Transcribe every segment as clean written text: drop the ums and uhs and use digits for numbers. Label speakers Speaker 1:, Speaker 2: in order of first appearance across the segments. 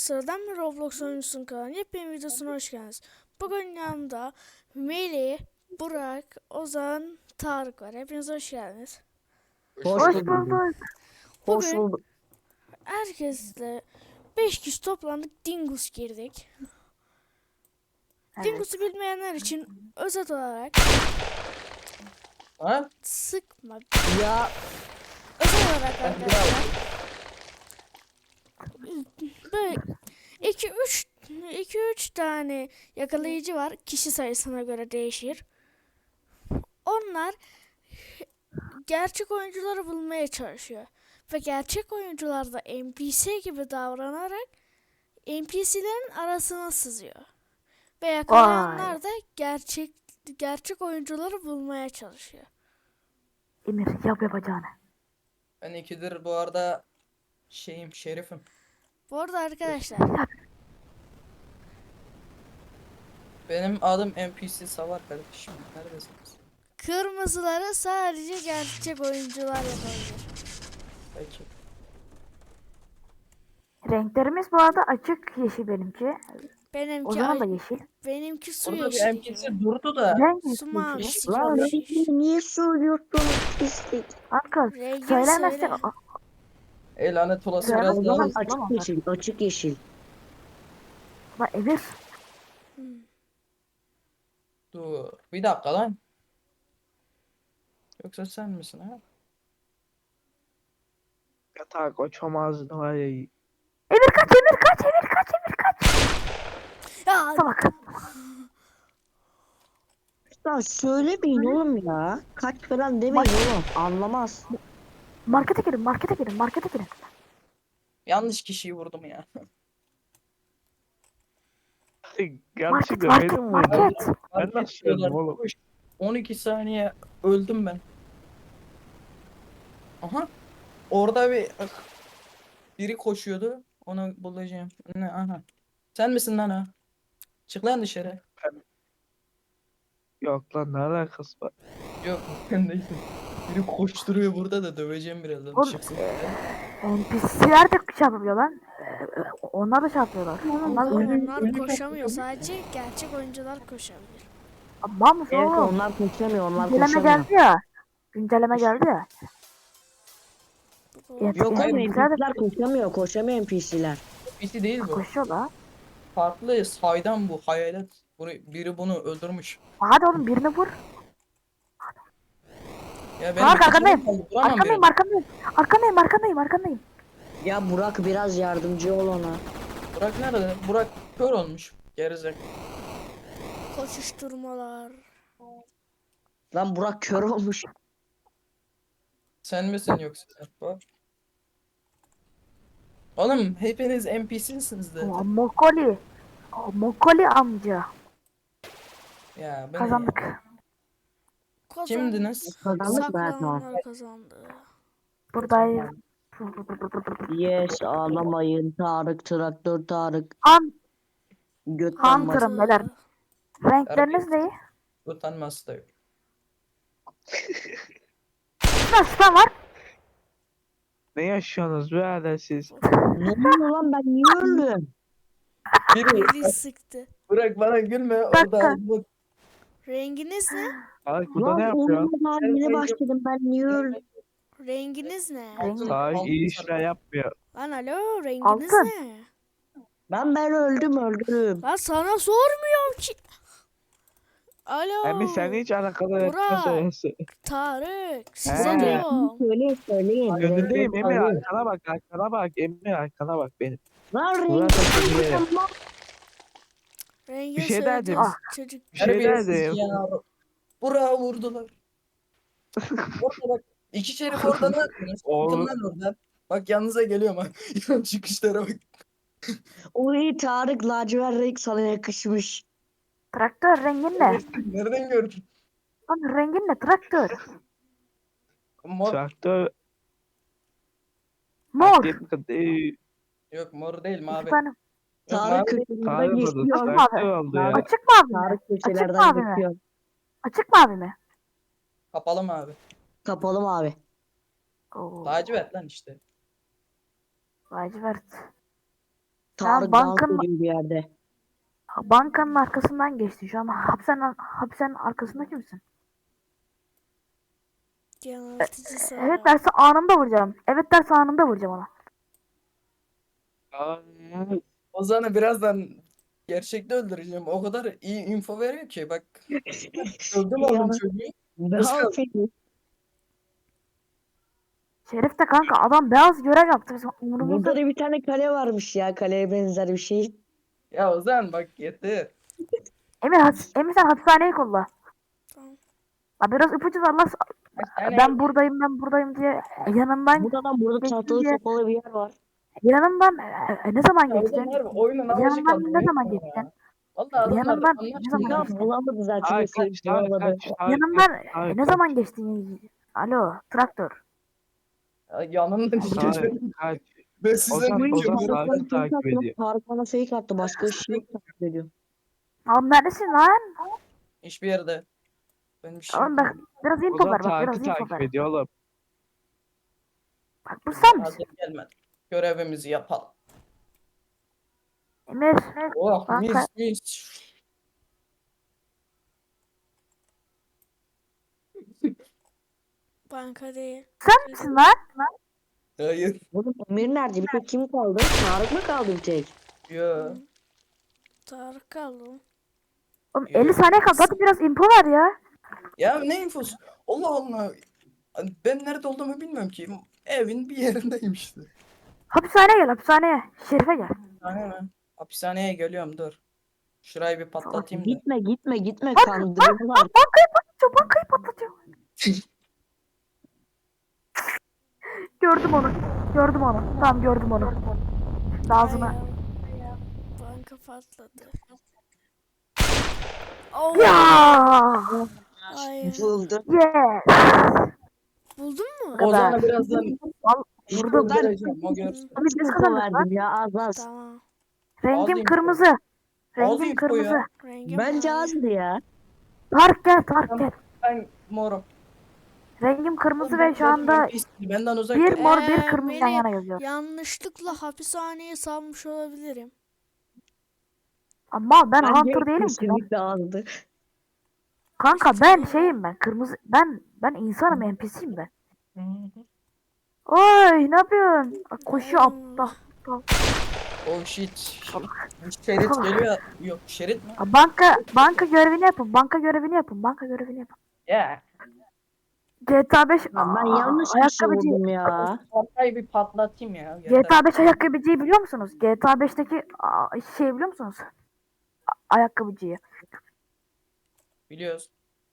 Speaker 1: Sıradan bir Roblox oyuncusunun kanalına yepyeni videosuna hoş geldiniz. Bugün yanımda Melih, Burak, Ozan, Tarık var. Hepiniz hoş geldiniz.
Speaker 2: Hoş
Speaker 3: Hoş
Speaker 2: bulduk.
Speaker 3: bulduk. Hoş
Speaker 1: Bugün
Speaker 3: bulduk.
Speaker 1: herkesle 5 kişi toplandık, Dingus girdik.
Speaker 3: Evet.
Speaker 1: Dingus'u bilmeyenler için özet olarak
Speaker 2: Ha?
Speaker 1: sıkma.
Speaker 3: Ya
Speaker 1: Özet olarak arkadaşlar böyle 2-3 tane yakalayıcı var. Kişi sayısına göre değişir. Onlar gerçek oyuncuları bulmaya çalışıyor. Ve gerçek oyuncular da NPC gibi davranarak NPC'lerin arasına sızıyor. Ve yakalayanlar da gerçek oyuncuları bulmaya çalışıyor.
Speaker 3: Emir yap yapacağını.
Speaker 2: Ben ikidir bu arada şerifim.
Speaker 1: Bu arada arkadaşlar
Speaker 2: Benim adım NPC Savar kardeşim. Neredesiniz?
Speaker 1: kırmızıları sadece gerçek oyuncular yapabilir.
Speaker 2: Peki.
Speaker 3: Renklerimiz bu arada açık yeşil benimki. O
Speaker 1: Benimki
Speaker 3: zaman da yeşil.
Speaker 1: benimki su
Speaker 2: Burada bir
Speaker 1: yeşili
Speaker 2: NPC
Speaker 1: gibi.
Speaker 2: durdu da.
Speaker 3: Renk
Speaker 1: Su
Speaker 3: yeşil.
Speaker 1: mavisi
Speaker 4: Lan
Speaker 1: gibi.
Speaker 4: rengini niye söylüyorsunuz pislik?
Speaker 3: Kanka
Speaker 1: Rengini
Speaker 3: söylemezsek
Speaker 1: söyle.
Speaker 2: Lanet olası
Speaker 3: Söyle,
Speaker 2: biraz
Speaker 4: O
Speaker 2: daha
Speaker 4: zaman
Speaker 2: hızlı.
Speaker 4: açık yeşil, açık yeşil.
Speaker 3: Bak Emir.
Speaker 2: Dur. Bir dakika lan. Yoksa sen misin ha?
Speaker 5: Yatağa koçamazdı var ya.
Speaker 3: Emir kaç Emir kaç Emir kaç Emir kaç.
Speaker 1: Ya
Speaker 3: Salak.
Speaker 4: Ya söylemeyin oğlum ya. Kaç falan demeyin oğlum. Anlamaz.
Speaker 3: Markete girin markete girin markete girin.
Speaker 2: Yanlış kişiyi vurdum ya.
Speaker 5: Yanlışlıkla
Speaker 3: market,
Speaker 5: benim
Speaker 3: market.
Speaker 5: vurdum. Ben
Speaker 2: Fark
Speaker 5: nasıl
Speaker 2: etmiyorlar.
Speaker 5: öldüm oğlum?
Speaker 2: Koş. 12 saniye öldüm ben. Aha. Orada biri koşuyordu. Onu bulacağım. Ne? Aha. Sen misin lan ha? Çık lan dışarı.
Speaker 5: Yok lan ne alakası var?
Speaker 2: Yok ben değilim. Biri koşturuyor burada da döveceğim birazdan.
Speaker 3: Oğlum
Speaker 2: Çıksın.
Speaker 3: NPC'ler de çarpıyor lan. Onlar da çarpıyorlar. Onlar da
Speaker 1: onlar koşamıyor. Sadece gerçek oyuncular koşabilir.
Speaker 3: Mal mısın
Speaker 4: Evet
Speaker 3: oğlum?
Speaker 4: onlar koşamıyor, onlar
Speaker 3: Güncelleme
Speaker 4: koşamıyor.
Speaker 3: geldi ya. Güncelleme geldi ya.
Speaker 4: Yok
Speaker 2: hayır,
Speaker 4: oğlum
Speaker 3: NPC'ler de
Speaker 4: NPC'ler koşamıyor, koşamıyor NPC'ler.
Speaker 2: NPC değil bu.
Speaker 3: koşuyor la.
Speaker 2: Farklı saydan bu hayalet. Biri bunu öldürmüş.
Speaker 3: Hadi oğlum birini vur.
Speaker 2: Ya
Speaker 3: Tarık
Speaker 2: iki
Speaker 3: arkandayım.
Speaker 2: canım kaldı, vuramam
Speaker 3: Arkandayım
Speaker 2: birini.
Speaker 3: arkandayım. Arkandayım arkandayım arkandayım.
Speaker 4: Ya Burak biraz yardımcı ol ona.
Speaker 2: Burak nerede? Burak kör olmuş. Gerizek.
Speaker 1: Koşuşturmalar.
Speaker 4: Lan Burak kör olmuş.
Speaker 2: Sen misin yoksa? Bak. Oğlum hepiniz NPC'siniz zaten.
Speaker 3: Mokoli. Mokoli amca.
Speaker 2: Ya bu ne ya?
Speaker 3: Kazandık.
Speaker 2: Kimdiniz?
Speaker 4: Kazandık mı Erdoğan?
Speaker 1: Saklananlar kazandı.
Speaker 3: Buradayız.
Speaker 4: Yes ağlamayın Tarık, traktör Tarık.
Speaker 3: Han,
Speaker 4: Göt
Speaker 3: Han
Speaker 4: damlası.
Speaker 3: tırım beyler. Renkleriniz ne?
Speaker 2: Utanması da yok.
Speaker 3: Nasıl var?
Speaker 5: Ne yaşıyorsunuz be hala siz?
Speaker 4: Ne oluyor lan, ben niye öldüm?
Speaker 1: Melih sıktı.
Speaker 2: Burak bana gülme
Speaker 3: Dakika.
Speaker 2: orada. Bu
Speaker 1: Renginiz ne?
Speaker 5: Tarık burada ne
Speaker 4: Lan
Speaker 5: yapıyorsun?
Speaker 4: oğlum daha yeni başladım, ben niye öldüm?
Speaker 1: Renginiz ne?
Speaker 5: Tarık iyi işler yapmıyor.
Speaker 1: Lan alo, renginiz
Speaker 3: Altın.
Speaker 1: ne?
Speaker 4: Ben öldüm.
Speaker 1: Lan sana sormuyorum ki. Alo.
Speaker 5: Hem sen hiç alakalı
Speaker 1: Burak.
Speaker 5: etmez orası.
Speaker 1: Tarık. Size
Speaker 5: He.
Speaker 1: diyorum.
Speaker 4: Söyleyin.
Speaker 5: Önündeyim Emir,
Speaker 4: Söyleyin.
Speaker 5: arkana bak Emir, arkana bak benim.
Speaker 4: Lan
Speaker 5: Burak
Speaker 4: rengi
Speaker 5: da söyleyelim.
Speaker 1: Rengini
Speaker 5: Bir şey derdim.
Speaker 1: söylediğiniz çocuk.
Speaker 5: Bir şey
Speaker 2: terbiyesiz
Speaker 5: derdim.
Speaker 2: ya. Burak'ı vurdular. Orada bak. İki şerif orada ne yapıyorsunuz?
Speaker 5: Oğlum.
Speaker 2: Çıkın lan oradan. Bak yanınıza geliyorum ha. Çıkışlara bak.
Speaker 4: Oy Tarık lacivert renk sana yakışmış.
Speaker 3: Traktör rengin ne?
Speaker 2: Nereden gördün?
Speaker 3: Lan rengin ne traktör?
Speaker 2: Mor.
Speaker 5: Traktör
Speaker 3: Mor.
Speaker 2: Yok mor değil
Speaker 3: İki
Speaker 2: mavi.
Speaker 3: tane.
Speaker 2: Yok,
Speaker 4: Tarık
Speaker 2: mavi.
Speaker 4: köşelerden
Speaker 5: Tarık oldu,
Speaker 4: geçiyor.
Speaker 5: traktör oldu ya.
Speaker 3: Açık mavi mi?
Speaker 4: Tarık
Speaker 3: Açık
Speaker 4: köşelerden
Speaker 3: mavi mi?
Speaker 4: geçiyor.
Speaker 3: Açık mavi mi?
Speaker 2: Kapalı mavi.
Speaker 4: Kapalı mavi.
Speaker 3: Oo.
Speaker 2: Lacivert lan işte.
Speaker 3: Lacivert.
Speaker 4: Tarık dans
Speaker 3: bankanın-
Speaker 4: ediyor bir yerde.
Speaker 3: Bankanın arkasından geçti. Şu an hapishanenin arkasında kimsin?
Speaker 1: Yanıltıcı soru.
Speaker 3: Evet derse anında vuracağım. Evet derse anında vuracağım ona.
Speaker 5: Ay,
Speaker 2: Ozan'ı birazdan gerçekte öldüreceğim. O kadar iyi info veriyor ki bak. Öldüm oğlum
Speaker 4: Ya.
Speaker 2: çocuğu.
Speaker 4: Ne
Speaker 2: Nasıl kaldı?
Speaker 4: yapayım?
Speaker 3: Şerif de kanka adam beyaz görev yaptı. Bizim umurumuzda.
Speaker 4: Burada da bir tane kale varmış ya. Kaleye benzer bir şey.
Speaker 2: Ya Ozan bak yeter.
Speaker 3: Emir sen hapishaneyi kolla.
Speaker 1: Tamam.
Speaker 3: Ya biraz ipucu ver lan.
Speaker 2: Yani
Speaker 3: Ben buradayım diye yanımdan
Speaker 4: Burada
Speaker 3: geçtin
Speaker 4: tahtalı
Speaker 3: diye
Speaker 4: sopalı bir yer var.
Speaker 3: yanımdan ne zaman
Speaker 2: ya Ozan
Speaker 3: geçtin?
Speaker 2: harbi oyunun amacı
Speaker 3: Yanımdan
Speaker 2: kaldı.
Speaker 3: ne zaman
Speaker 2: ya.
Speaker 3: geçtin?
Speaker 2: Vallahi adamlar
Speaker 3: Yanımdan ne
Speaker 2: anlaşmıyor.
Speaker 3: zaman
Speaker 4: Ya
Speaker 3: geçtin?
Speaker 4: bulamadı zaten.
Speaker 5: ay,
Speaker 4: Hepsi
Speaker 5: kaç, Tarık,
Speaker 4: bulamadı.
Speaker 5: kaç, Tarık,
Speaker 3: Yanımdan
Speaker 5: Tarık,
Speaker 3: ne zaman geçtin? Alo traktör.
Speaker 2: Ya yanımdan
Speaker 5: Tarık,
Speaker 2: geçeceğim.
Speaker 5: kaç.
Speaker 2: Ben size
Speaker 5: Ozan,
Speaker 2: ne
Speaker 5: Ozan
Speaker 2: diyorum?
Speaker 5: Tarık'ı takip ediyor.
Speaker 4: Tarık bana fake attı. Başka bir şey yok takip ediyor.
Speaker 3: Oğlum neredesin lan?
Speaker 2: Hiçbir yerde. Ben bir şey
Speaker 3: Oğlum bak biraz info
Speaker 5: Ozan
Speaker 3: ver bak biraz
Speaker 5: Tarık'ı
Speaker 3: info
Speaker 5: takip
Speaker 3: ver.
Speaker 5: ediyor oğlum.
Speaker 3: Bak bu sen misin?
Speaker 2: hazır gelmedi. Görevimizi yapalım.
Speaker 3: Emir.
Speaker 2: Oh
Speaker 3: Bak,
Speaker 2: mis mis.
Speaker 1: Banka değil.
Speaker 3: Sen misin lan?
Speaker 2: Hayır.
Speaker 4: Oğlum Emir nerede? Bir tek kim kaldı? Tarık mı kaldı bir tek?
Speaker 2: Yo.
Speaker 1: Tarık kaldı.
Speaker 3: Oğlum 50 saniye kaldı. Hadi biraz info ver ya.
Speaker 2: Ya ne infosu? Allah Allah. Ben nerede olduğumu bilmiyorum ki. Evin bir yerindeyim işte.
Speaker 3: Hapishaneye gel hapishaneye. Şerife gel.
Speaker 2: Hapishane mi? Hapishaneye geliyorum dur. Şurayı bir patlatayım da.
Speaker 4: Gitme kandırıyorlar.
Speaker 3: Bankayı patlatıyor. Gördüm onu. Gördüm onu. Tamam gördüm onu. Ağzına.
Speaker 1: Ay ya. Banka patladı. Oh.
Speaker 3: Ya.
Speaker 1: Hayır.
Speaker 4: Buldu.
Speaker 3: Yes.
Speaker 1: Buldun mu?
Speaker 3: kadar.
Speaker 2: Ozan'a birazdan
Speaker 3: Vurdum.
Speaker 2: vereceğim o görsün.
Speaker 3: Abi biz
Speaker 4: Info
Speaker 3: kazandık lan.
Speaker 4: verdim ya az.
Speaker 1: Tamam.
Speaker 3: Rengim
Speaker 2: Aldım.
Speaker 3: kırmızı.
Speaker 2: Aldım
Speaker 3: Rengim
Speaker 2: info ya.
Speaker 3: kırmızı.
Speaker 1: Rengim
Speaker 4: Bence
Speaker 1: mavi.
Speaker 4: azdı ya.
Speaker 3: Tarık gel Tarık gel.
Speaker 2: Ben morum.
Speaker 3: Rengim kırmızı
Speaker 2: Ben
Speaker 3: ve şu anda
Speaker 2: benden uzak
Speaker 3: bir
Speaker 2: dur.
Speaker 3: mor bir kırmızı yan
Speaker 1: Melih,
Speaker 3: yana yazıyor.
Speaker 1: yanlışlıkla hapishaneye salmış olabilirim.
Speaker 3: Ama ben
Speaker 4: Bence
Speaker 3: Hunter değilim ki.
Speaker 4: kesinlikle azdı.
Speaker 3: Kanka ben şeyim ben. Kırmızı ben insanım NPC'yim ben. Oy ne yapıyorsun? Koşuyor aptal.
Speaker 2: Oh shit. Şerit geliyor. Yok şerit mi?
Speaker 3: Banka görevini yapın. Banka görevini yapın. Banka görevini yapın.
Speaker 2: Ya.
Speaker 3: GTA 5
Speaker 4: Lan ben yanlış bir şey
Speaker 3: ayakkabıcı.
Speaker 4: vurdum ya.
Speaker 2: Ortayı bir patlatayım ya.
Speaker 3: GTA 5 ayakkabıcıyı biliyor musunuz? GTA 5'teki şey biliyor musunuz? Ayakkabıcıyı.
Speaker 2: Biliyoruz.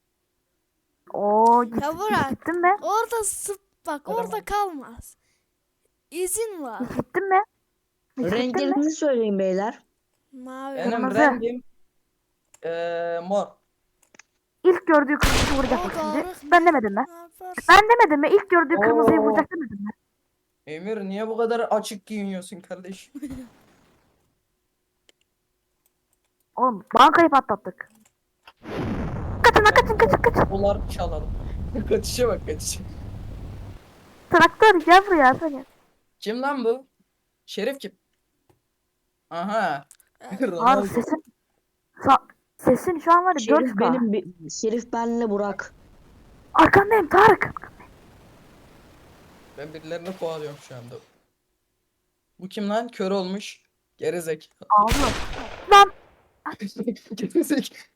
Speaker 3: Oo
Speaker 1: Ya Burak,
Speaker 3: gittin mi?
Speaker 1: orada bak
Speaker 2: Tamam.
Speaker 1: orada kalmaz. İzin var.
Speaker 3: Gittin mi? Gittin mi?
Speaker 4: Renklerinizi söyleyin beyler.
Speaker 1: Mavi.
Speaker 2: Benim
Speaker 3: Kırmızı.
Speaker 2: rengim mor.
Speaker 3: İlk gördüğü kırmızıyı vuracak bak
Speaker 1: O
Speaker 3: şimdi.
Speaker 1: doğru.
Speaker 3: Ben demedim mi?
Speaker 1: Ne yaparsın?
Speaker 3: Ben demedim mi? İlk gördüğü kırmızıyı
Speaker 2: Oo.
Speaker 3: vuracak demedim mi?
Speaker 2: Emir niye bu kadar açık giyiniyorsun kardeş?
Speaker 3: Oğlum bankayı patlattık. Kaçın.
Speaker 2: Dolar çalalım. Kaçışa bak kaçışa.
Speaker 3: Traktör gel buraya seni.
Speaker 2: Kim lan bu? Şerif kim? Aha.
Speaker 3: Abi
Speaker 2: Ronaldo.
Speaker 3: sesin şu an var ya
Speaker 4: Şerif
Speaker 3: 4K.
Speaker 4: Şerif benle Burak.
Speaker 3: Arkandayım Tarık.
Speaker 2: Ben birilerini kovalıyorum şu anda. Bu kim lan? Kör olmuş. Gerizek.
Speaker 3: Ağlıyor. Lan
Speaker 2: Gerizek.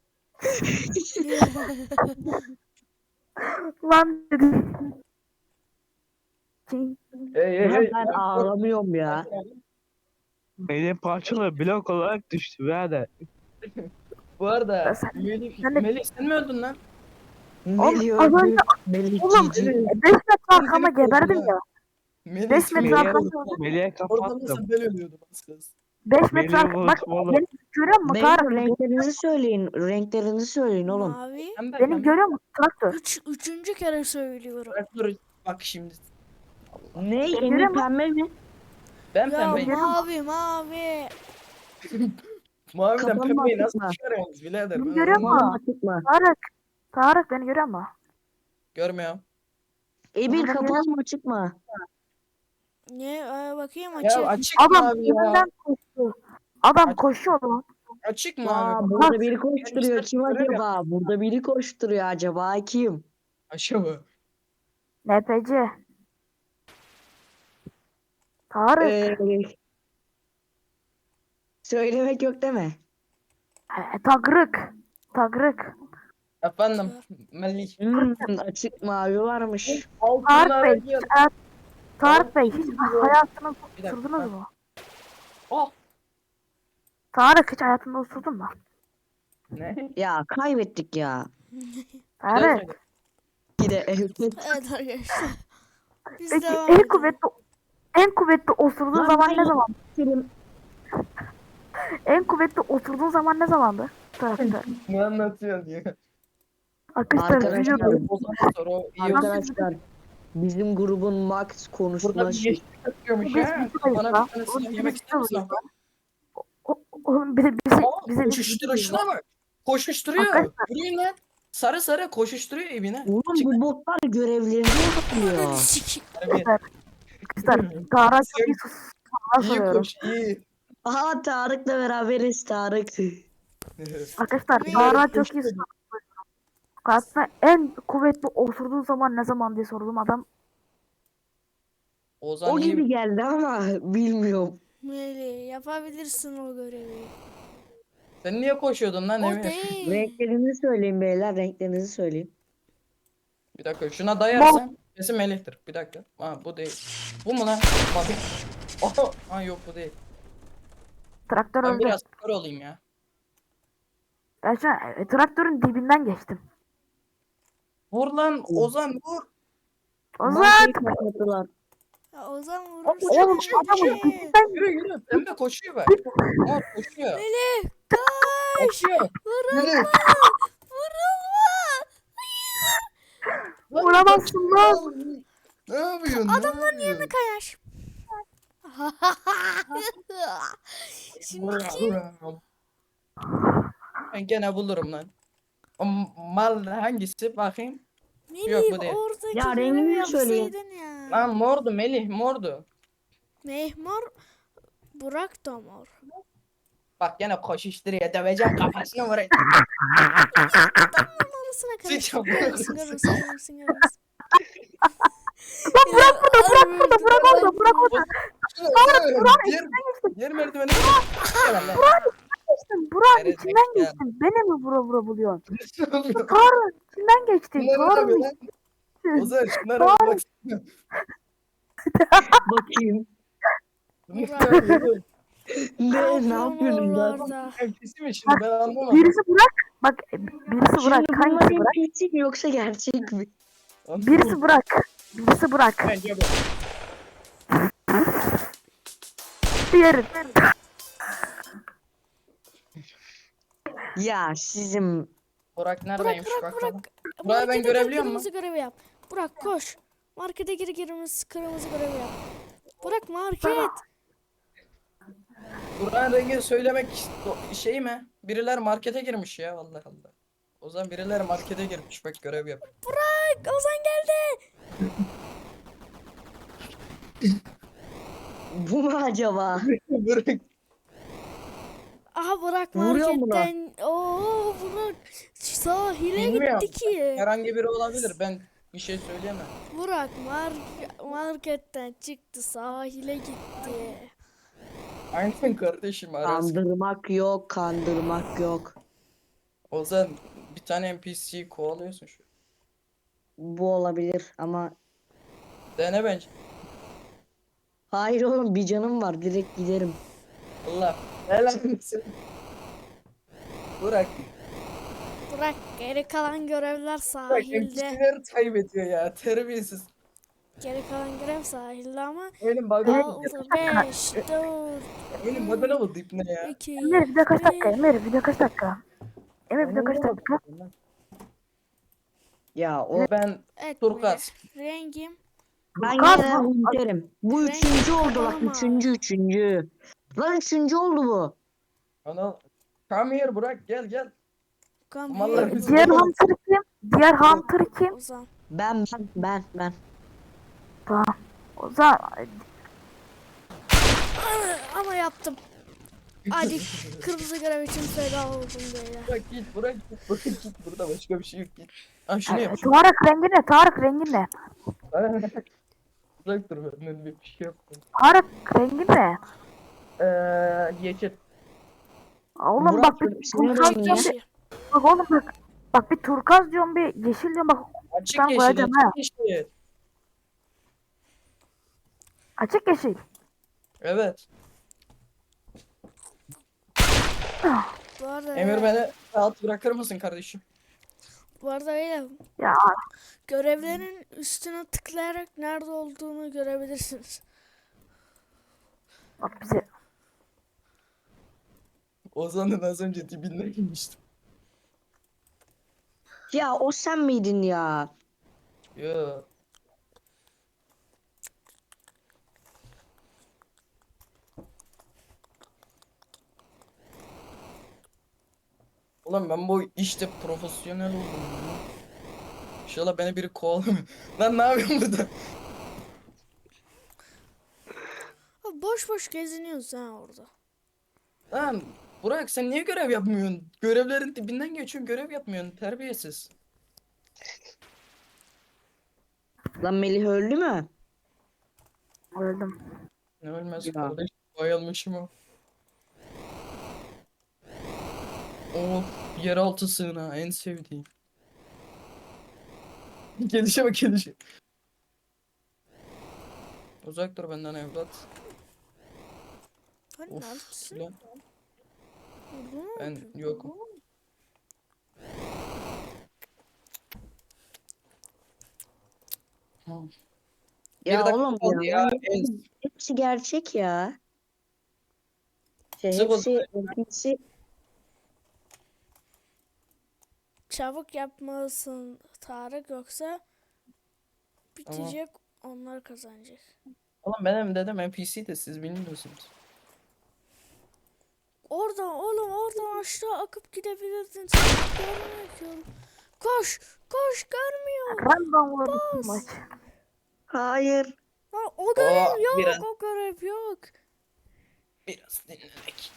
Speaker 3: lan dedi. Şey,
Speaker 4: Ben ağlamıyorum ya.
Speaker 5: Benim parçalı blok olarak düştü birader.
Speaker 2: Bu arada
Speaker 3: Sen-
Speaker 2: Melih,
Speaker 3: sen de-
Speaker 2: Melih sen mi öldün lan?
Speaker 4: Melih
Speaker 3: az
Speaker 4: öldü.
Speaker 3: önce-
Speaker 4: Melih
Speaker 3: Oğlum
Speaker 4: GG.
Speaker 3: 5 metre arkama
Speaker 2: Melih
Speaker 3: geberdim
Speaker 2: öldü
Speaker 3: ya.
Speaker 2: Melih
Speaker 3: 5
Speaker 2: sen
Speaker 3: metre
Speaker 5: Melih-
Speaker 3: arkama.
Speaker 5: Melih'e
Speaker 2: Orada
Speaker 5: kapattım.
Speaker 2: nasıl ben ölüyordum az kız.
Speaker 3: 5 metre
Speaker 5: Melih'i
Speaker 3: arkama. Bak
Speaker 5: unutma oğlum.
Speaker 3: beni görüyor musun
Speaker 4: Beyler
Speaker 3: Tarık?
Speaker 4: renklerinizi söyleyin. Renklerinizi söyleyin oğlum.
Speaker 1: Mavi.
Speaker 3: Beni görüyor musun Traktör?
Speaker 1: Üçüncü kere söylüyorum.
Speaker 2: Dur bak şimdi.
Speaker 4: Ne?
Speaker 3: Görüyor
Speaker 4: Emir
Speaker 3: musun?
Speaker 4: pembe mi?
Speaker 2: Ben
Speaker 1: Ya
Speaker 2: pembeyim.
Speaker 1: mavi.
Speaker 2: Maviden
Speaker 4: Kapanma
Speaker 2: pembeyi nasıl
Speaker 4: açıkla.
Speaker 2: çıkarıyorsunuz birader?
Speaker 3: Bunu
Speaker 2: Ben
Speaker 3: görüyor
Speaker 2: anlamadım.
Speaker 3: musun?
Speaker 4: Çıkma.
Speaker 3: Tarık beni görüyor musun?
Speaker 2: Görmüyorum.
Speaker 4: Emir
Speaker 3: Kapanma
Speaker 4: kapalı mı açık mı?
Speaker 1: Ne? Bakayım
Speaker 2: Ya
Speaker 1: açık.
Speaker 2: açık mı
Speaker 3: Adam
Speaker 2: abi ya?
Speaker 3: önünden koştu. Adam
Speaker 2: Aç-
Speaker 3: koşuyor lan.
Speaker 2: Açık mı
Speaker 4: Aa,
Speaker 2: abi?
Speaker 4: burada biri koşturuyor.
Speaker 2: Ben
Speaker 4: Kim
Speaker 2: görev
Speaker 4: acaba? Burada biri koşturuyor acaba kim?
Speaker 2: Aşağı.
Speaker 3: NPC. Tarık.
Speaker 4: Ee, söylemek yok değil mi?
Speaker 3: Tagrık. Tagrık.
Speaker 2: Efendim Melih.
Speaker 4: Açık mavi varmış.
Speaker 2: Altınlar
Speaker 3: Tarık Bey.
Speaker 2: gel.
Speaker 3: Tarık Bey hiç hayatını
Speaker 2: Bir dakika,
Speaker 3: osurdunuz
Speaker 2: ben-
Speaker 3: mu?
Speaker 2: Oh.
Speaker 3: Tarık hiç hayatında osurdun mu?
Speaker 2: Ne?
Speaker 4: Ya kaybettik ya.
Speaker 3: Tarık.
Speaker 4: Yine evet.
Speaker 1: Evet arkadaşlar. Biz
Speaker 3: Peki
Speaker 1: devam
Speaker 3: en
Speaker 1: edelim.
Speaker 3: kuvvetli osurduğun
Speaker 4: Lan
Speaker 3: zaman
Speaker 4: ben
Speaker 3: ne zaman?
Speaker 4: Selim,
Speaker 3: En kuvvetli osurduğun zaman ne zamandı? Tarık'ta.
Speaker 2: Ne anlatıyorsun ya?
Speaker 3: Arkadaşlar
Speaker 4: Arkadaşlar,
Speaker 3: biliyorum.
Speaker 2: O zaman sonra o iyi olsun.
Speaker 4: arkadaşlar bizim grubun max
Speaker 2: Burada
Speaker 4: konuşma
Speaker 2: bir
Speaker 4: şey.
Speaker 2: yeşil atıyormuş
Speaker 3: Biz
Speaker 2: ya.
Speaker 3: videodayız
Speaker 2: Bana
Speaker 3: lan.
Speaker 2: bir tane
Speaker 3: Oğlum,
Speaker 2: silah
Speaker 3: biz
Speaker 2: yemek ister misin?
Speaker 3: videodayız Oğlum bize
Speaker 2: Aa, koşuşturuşuna bak. Koşuşturuyor.
Speaker 3: Arkadaşlar-
Speaker 2: Yürüyün lan. Sarı sarı koşuşturuyor evine.
Speaker 4: Oğlum
Speaker 2: Çık
Speaker 4: bu botlar görevlerini
Speaker 1: Ananı
Speaker 4: yapıyor.
Speaker 1: sikeyim.
Speaker 2: harbi.
Speaker 3: Arkadaşlar Tarık çok iyi sorular
Speaker 2: İyi
Speaker 3: soruyorum.
Speaker 2: koş iyi.
Speaker 4: Aha Tarık'la beraberiz Tarık.
Speaker 3: Arkadaşlar
Speaker 1: Ne?
Speaker 3: Tarık çok iyi sorular soruyorum. Karşısına en kuvvetli osurduğun zaman ne zaman diye sordum adam.
Speaker 2: Ozan
Speaker 4: O
Speaker 2: iyi.
Speaker 4: gibi geldi ama bilmiyorum.
Speaker 1: Melih yapabilirsin o görevi.
Speaker 2: Sen niye koşuyordun lan
Speaker 1: O
Speaker 2: Emir?
Speaker 1: değil.
Speaker 4: Renklerini söyleyin beyler, renklerinizi söyleyin.
Speaker 2: Bir dakika şuna dayarsan kesin Melih'tir. Bir dakika. Ha bu değil. Bu mu lan? Bakayım. Oho. Ha yok bu değil.
Speaker 3: Traktör
Speaker 2: Ben
Speaker 3: öldü.
Speaker 2: biraz kör olayım ya.
Speaker 3: Ben şu an traktörün dibinden geçtim.
Speaker 2: Vur lan Ozan vur.
Speaker 3: Ozan!
Speaker 4: Bankayı kapattılar.
Speaker 1: Ya Ozan
Speaker 3: Oğlum
Speaker 1: vurursun.
Speaker 3: adamın
Speaker 1: Melih.
Speaker 3: dibinden
Speaker 2: Yürü yürü. Pembe koşuyor bak. Aa koşuyor.
Speaker 1: Melih koş.
Speaker 2: Koşuyor. Yürü.
Speaker 1: Vurulma.
Speaker 2: Lan
Speaker 3: vuramazsın lan.
Speaker 2: Ne yapıyorsun?
Speaker 1: Adamların yerine kayar. Şimdi kim?
Speaker 2: Ben gene bulurum lan. O mal hangisi bakayım? Yok, bu
Speaker 1: Melih
Speaker 2: değil.
Speaker 1: oradaki
Speaker 4: Ya,
Speaker 1: görevi
Speaker 4: rengini söyleyin.
Speaker 1: yapsaydın ya.
Speaker 2: Lan mordu Melih mordu.
Speaker 1: Mehmor Burak da mor.
Speaker 2: Bak gene koşuşturuyor. Döveceğim kafasını vurayım.
Speaker 1: Adamın arasına
Speaker 2: Sıçan.
Speaker 1: karıştı. Görürsün görürsün görürsün görürsün.
Speaker 3: Lan Burak burada, Burak burada, Burak orada, Burak orada.
Speaker 2: Diğer merdiveni. Gel lan.
Speaker 3: Geçtin, Burak
Speaker 2: Evet,
Speaker 3: içinden
Speaker 2: ya.
Speaker 3: geçtin. Beni mi vura buluyorsun?
Speaker 2: Ne yapıyorsun?
Speaker 3: Tarık içinden geçtin.
Speaker 2: Bunlar ne
Speaker 3: Tarık
Speaker 2: yapıyor lan? Ozan şunlara bir bak.
Speaker 4: Bakayım.
Speaker 2: Ne
Speaker 4: Ne yapıyorsun lan?
Speaker 1: oralarda?
Speaker 2: Hepsi mi şimdi ben anlamadım.
Speaker 3: birisi Burak. Bak birisi Burak.
Speaker 4: Şimdi bunlar
Speaker 3: Hangisi Burak?
Speaker 4: NPC mi yoksa gerçek mi?
Speaker 3: Birisi Burak. Birisi Burak.
Speaker 2: Bence bu.
Speaker 3: Diğeri.
Speaker 4: Ya sizin
Speaker 2: Burak
Speaker 1: Burak
Speaker 2: neredeymiş
Speaker 1: Burak
Speaker 2: bakalım.
Speaker 1: Burak.
Speaker 2: Burak'ı ben
Speaker 1: Markete gir,
Speaker 2: görebiliyor muyum?
Speaker 1: kırmızı görevi yap. Burak koş. Markete gir kırmızı görevi yap. Burak market.
Speaker 2: Burak'ın rengini söylemek şey mi? Biriler markete girmiş ya Allah Allah. O zaman birileri markete girmiş bak görev yap.
Speaker 1: Burak Ozan geldi.
Speaker 4: bu mu acaba?
Speaker 2: Burak
Speaker 1: Aha Burak
Speaker 4: Vuruyor mu lan?
Speaker 1: marketten. Oo Burak sahile
Speaker 2: Bilmiyorum.
Speaker 1: gitti ki.
Speaker 2: herhangi biri olabilir ben bir şey söyleyemem.
Speaker 1: Burak marketten çıktı sahile gitti.
Speaker 2: Aynen kardeşim arası.
Speaker 4: Kandırmak yok, kandırmak yok.
Speaker 2: O zaman bir tane NPC'yi kovalıyorsun şu.
Speaker 4: Bu olabilir ama
Speaker 2: Dene bence.
Speaker 4: hayır oğlum, bir canım var, direkt giderim.
Speaker 2: Allah. Helal olsun. Burak.
Speaker 1: Burak geri kalan görevler
Speaker 2: Burak
Speaker 1: sahilde.
Speaker 2: NPC'leri kaybediyor ya terbiyesiz.
Speaker 1: Geri kalan görev sahilde ama
Speaker 2: Oyunun bug'ına
Speaker 1: 6, 5, 4,
Speaker 2: Oyunun bug'ına mı dipne ya?
Speaker 1: 2,
Speaker 3: Emir video kaç dakika? Emir video kaç dakika? Emir video kaç dakika?
Speaker 4: Ya o
Speaker 2: Ben
Speaker 1: Evet,
Speaker 2: Turkuaz.
Speaker 1: rengim
Speaker 4: ben
Speaker 3: Kaz
Speaker 4: yine
Speaker 3: mı?
Speaker 4: hunterim. Bu
Speaker 1: Renk
Speaker 4: üçüncü oldu bak,
Speaker 1: kapanama.
Speaker 4: üçüncü. Lan üçüncü oldu bu.
Speaker 2: Ana. Come here Burak gel.
Speaker 1: Come
Speaker 2: Mallar
Speaker 1: here,
Speaker 2: bizi-
Speaker 3: Diğer
Speaker 1: Burak.
Speaker 3: hunter kim? Diğer hunter kim?
Speaker 1: Ozan.
Speaker 4: Ben.
Speaker 3: O zaman
Speaker 1: Ama yaptım. Hadi kırmızı görev için feda oldum böyle.
Speaker 2: Bırak git, bırak git, bırak git. Burada başka bir şey yok, git. Ha şunu yap. Şunu.
Speaker 3: Tarık rengi ne? Tarık rengi ne?
Speaker 2: Bırak dur, ben bir şey yaptım.
Speaker 3: Tarık rengi ne?
Speaker 2: Yeşil.
Speaker 3: Oğlum
Speaker 2: Murat,
Speaker 3: bak bir
Speaker 4: senin
Speaker 3: turkuaz
Speaker 4: rengin
Speaker 3: diyorum
Speaker 4: ne?
Speaker 3: bir. Bak oğlum bak. Bak bir turkuaz diyorum bir yeşil diyorum bak.
Speaker 2: Açık
Speaker 3: Ben
Speaker 2: yeşil,
Speaker 3: koyacağım ha.
Speaker 2: açık yeşil.
Speaker 3: Açık yeşil.
Speaker 2: Evet.
Speaker 1: Bu arada
Speaker 2: Emir beni rahat bırakır mısın kardeşim?
Speaker 1: Bu arada öyle
Speaker 3: Ya
Speaker 1: görevlerin üstüne tıklayarak nerede olduğunu görebilirsiniz.
Speaker 3: bak bize.
Speaker 2: Ozan'ın az önce dibinden inmiştim.
Speaker 4: Ya o sen miydin ya?
Speaker 2: Yo. Ulan ben bu işte profesyonel oldum ya. İnşallah beni biri kovalamıyor. Lan ne yapıyorsun burada?
Speaker 1: Ha, boş boş geziniyoruz ha orada.
Speaker 2: Lan Burak sen niye görev yapmıyorsun? Görevlerin dibinden geçiyorsun, görev yapmıyorsun. Terbiyesiz.
Speaker 4: Lan Melih öldü mü?
Speaker 3: Öldüm.
Speaker 2: Ne ölmez
Speaker 4: Ya.
Speaker 2: kardeş. Bayılmışım o. Of, yeraltı sığınağı en sevdiğim. Gelişe bak, gelişe. Uzak dur benden evlat.
Speaker 1: Hani
Speaker 2: Of
Speaker 1: neredesin?
Speaker 2: lan,
Speaker 1: Burada mı
Speaker 2: ben
Speaker 1: yapıyorsun?
Speaker 2: yokum. Bir
Speaker 4: Ya
Speaker 2: dakika
Speaker 4: oğlum
Speaker 2: kaldı
Speaker 4: ya.
Speaker 2: ya.
Speaker 4: Hepsi gerçek ya.
Speaker 2: Sık o
Speaker 4: Hepsi NPC.
Speaker 1: Çabuk yapmalısın Tarık yoksa bitecek onlar kazanacak.
Speaker 2: Oğlum benim dedem NPC de siz bilmiyorsunuz.
Speaker 1: Oradan oğlum oradan aşağı akıp gidebilirdin. Sen görmüyorum. Koş koş görmüyor.
Speaker 3: Random vurdum
Speaker 1: Bas.
Speaker 3: maç.
Speaker 4: Hayır.
Speaker 1: Ha, o görev yok
Speaker 2: biraz.
Speaker 1: o görev yok.
Speaker 2: Biraz dinlenek.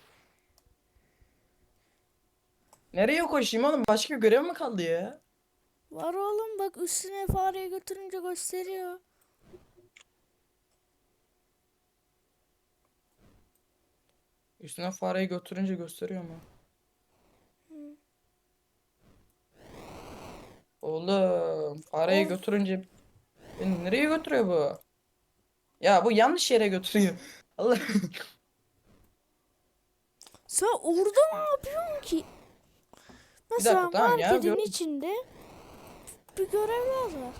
Speaker 2: Nereye koşayım oğlum? Başka görev mi kaldı ya?
Speaker 1: Var oğlum bak üstüne fareyi götürünce gösteriyor.
Speaker 2: Üstüne fareyi götürünce gösteriyor mu? Oğlum fareyi
Speaker 1: Of.
Speaker 2: götürünce beni nereye götürüyor bu? Ya bu yanlış yere götürüyor. Allah.
Speaker 1: Sen orada ne yapıyorsun ki? Mesela
Speaker 2: tamam ya,
Speaker 1: marketin
Speaker 2: gördüm.
Speaker 1: içinde bir görevler var.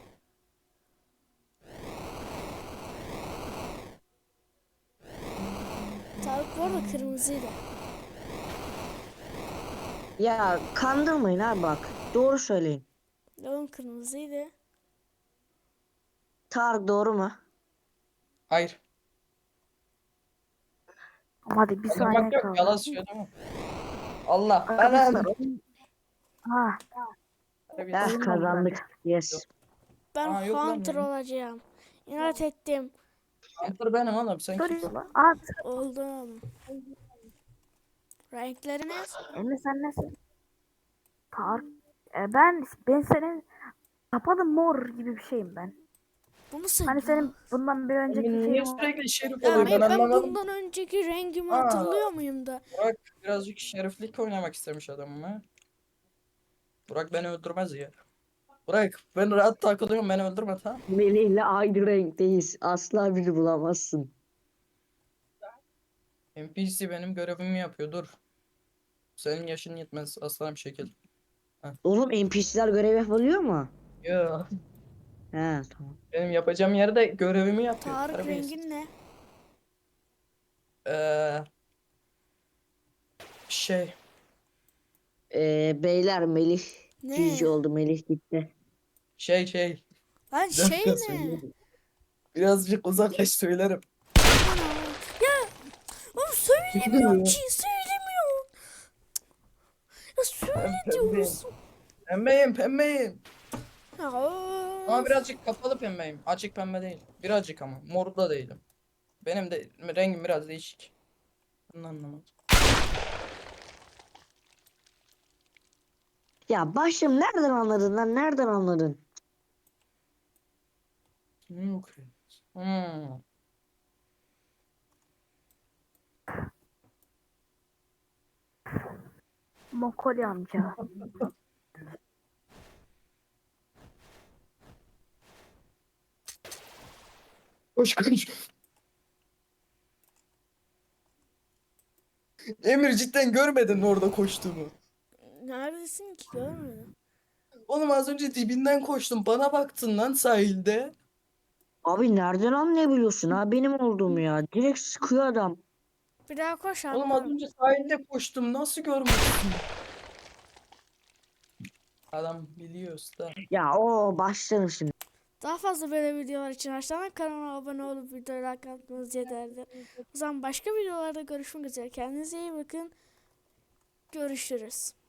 Speaker 1: Tarık bu arada kırmızıydı.
Speaker 4: Ya kandırmayın abi bak. Doğru söyleyin.
Speaker 1: Oğlum kırmızıydı.
Speaker 4: Tarık doğru mu?
Speaker 2: Hayır.
Speaker 3: Hadi bir saniye
Speaker 2: Kandırmak yok.
Speaker 3: kaldı.
Speaker 2: Yalan söylüyor değil mi? Allah.
Speaker 3: Arkadaşlar.
Speaker 2: Ben
Speaker 3: Ha,
Speaker 4: Eh kazandık. Yes.
Speaker 1: Ben
Speaker 2: Aa, yok lan
Speaker 1: Hunter
Speaker 2: benim.
Speaker 1: olacağım. İnat ettim.
Speaker 2: Hunter benim oğlum. Sen kimsin?
Speaker 3: soruyorlar. Aa,
Speaker 1: Oldum. Renkleriniz?
Speaker 3: Emre sen nesin? Tarık. Ben senin kapalı mor gibi bir şeyim ben.
Speaker 1: Bu musun?
Speaker 3: Hani senin bundan bir önceki
Speaker 2: Niye
Speaker 3: şeyin
Speaker 2: sürekli şerif
Speaker 1: Ya
Speaker 2: oluyor, ben
Speaker 1: hayır, ben
Speaker 2: anlamadım.
Speaker 1: bundan önceki rengimi
Speaker 2: Aa.
Speaker 1: hatırlıyor muyum da?
Speaker 2: Burak birazcık şeriflik oynamak istemiş adam ha. Burak beni öldürmez ya. Burak ben rahat takılıyorum, beni öldürme tamam.
Speaker 4: Melih'le aynı renkteyiz. Asla biri bulamazsın.
Speaker 2: NPC benim görevimi yapıyor, dur. Senin yaşın yetmez aslanım şekil.
Speaker 4: Oğlum NPC'ler görev yapabiliyor mu?
Speaker 2: Ya
Speaker 4: He tamam.
Speaker 2: benim yapacağım yerde görevimi yapıyor.
Speaker 1: Tarık
Speaker 2: terbiyesiz.
Speaker 1: rengin ne?
Speaker 2: Ee, şey
Speaker 4: Beyler Melih
Speaker 1: Ne?
Speaker 4: GG oldu. Melih gitti.
Speaker 2: şey.
Speaker 1: Lan
Speaker 2: Bir
Speaker 1: şey
Speaker 2: dakika
Speaker 1: ne?
Speaker 2: söyleyeyim. Birazcık uzaklaş söylerim.
Speaker 1: Ana. Ya oğlum söylemiyorum ki söylemiyorum. Ya söyle diyorsun.
Speaker 2: Pembeyim.
Speaker 1: Ya,
Speaker 2: Ama birazcık kapalı pembeyim. Açık pembe değil. Birazcık ama. Mor da değilim. Benim de rengim biraz değişik. Bunu anlamadım.
Speaker 4: Ya başım nereden anladın lan? Nereden anladın?
Speaker 2: Okay. Hmm.
Speaker 3: Mokoli amca.
Speaker 2: Koş koş. Emir cidden görmedin mi orada koştuğumu?
Speaker 1: Neredesin ki görmedim.
Speaker 2: Oğlum az önce dibinden koştum. Bana baktın lan sahilde.
Speaker 4: Abi nereden anlayabiliyorsun ha benim olduğumu ya? Direkt sıkıyor adam.
Speaker 1: Bir daha koş
Speaker 2: Oğlum az
Speaker 1: atlarım.
Speaker 2: önce sahilde koştum. Nasıl görmedin? Adam biliyor usta.
Speaker 4: Ya o başlarım şimdi.
Speaker 1: Daha fazla böyle videolar için aşağıdan kanalıma abone olup videoyu like atmanız yeterli. O zaman başka videolarda görüşmek üzere. Kendinize iyi bakın. Görüşürüz.